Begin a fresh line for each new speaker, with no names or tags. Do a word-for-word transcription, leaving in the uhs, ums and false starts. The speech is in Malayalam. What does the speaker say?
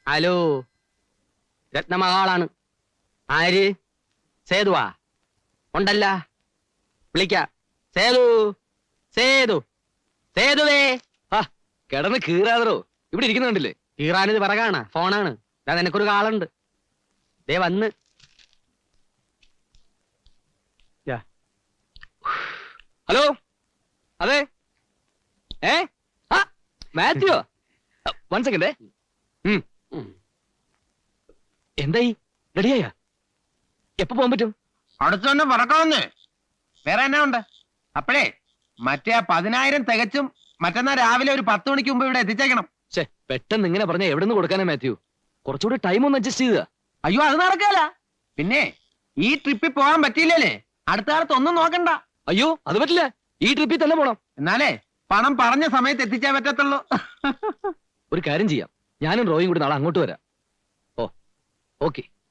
ഹലോ, രത്നമഹാളാണ്. ആര്? സേതുവാ? ഉണ്ടല്ല, വിളിക്ക. സേതു, സേതു, സേതുവേ.
ആ കിടന്ന് കീറാതറോ, ഇവിടെ ഇരിക്കുന്ന കണ്ടില്ലേ?
കീറാനിത് പിറകാണ്, ഫോണാണ്. ഞാൻ നിനക്കൊരു കാളുണ്ട്. ദേ വന്ന്.
ഹലോ, അതെ. ഏ ആ മാത്യോ, വൺ സെക്കൻഡ്. എന്തായി, റെഡിയായ? എപ്പോ പോകാൻ പറ്റും?
അടുത്ത് തന്നെ പറക്കാവുന്നേ. വേറെ എന്നാ ഉണ്ട്? അപ്പഴേ മറ്റേ ആ പതിനായിരം തികച്ചും മറ്റന്നാ രാവിലെ ഒരു പത്ത് മണിക്ക് മുമ്പ് ഇവിടെ എത്തിച്ചേക്കണം.
ശേ, പെട്ടെന്ന് ഇങ്ങനെ പറഞ്ഞ എവിടെ നിന്ന് കൊടുക്കാനാ മാത്യു? കുറച്ചുകൂടി ടൈം ഒന്ന് അഡ്ജസ്റ്റ് ചെയ്യുക.
അയ്യോ, അത് നടക്കാല. പിന്നെ ഈ ട്രിപ്പിൽ പോകാൻ പറ്റിയില്ലേ, അടുത്ത കാലത്ത് ഒന്നും നോക്കണ്ട.
അയ്യോ, അത് പറ്റില്ല, ഈ ട്രിപ്പിൽ തന്നെ പോണം.
എന്നാലേ പണം പറഞ്ഞ സമയത്ത് എത്തിച്ചേ പറ്റത്തുള്ളൂ.
ഒരു കാര്യം ചെയ്യാം, ഞാനും റോയും കൂടി നാളെ അങ്ങോട്ട് വരാം. Oh okay.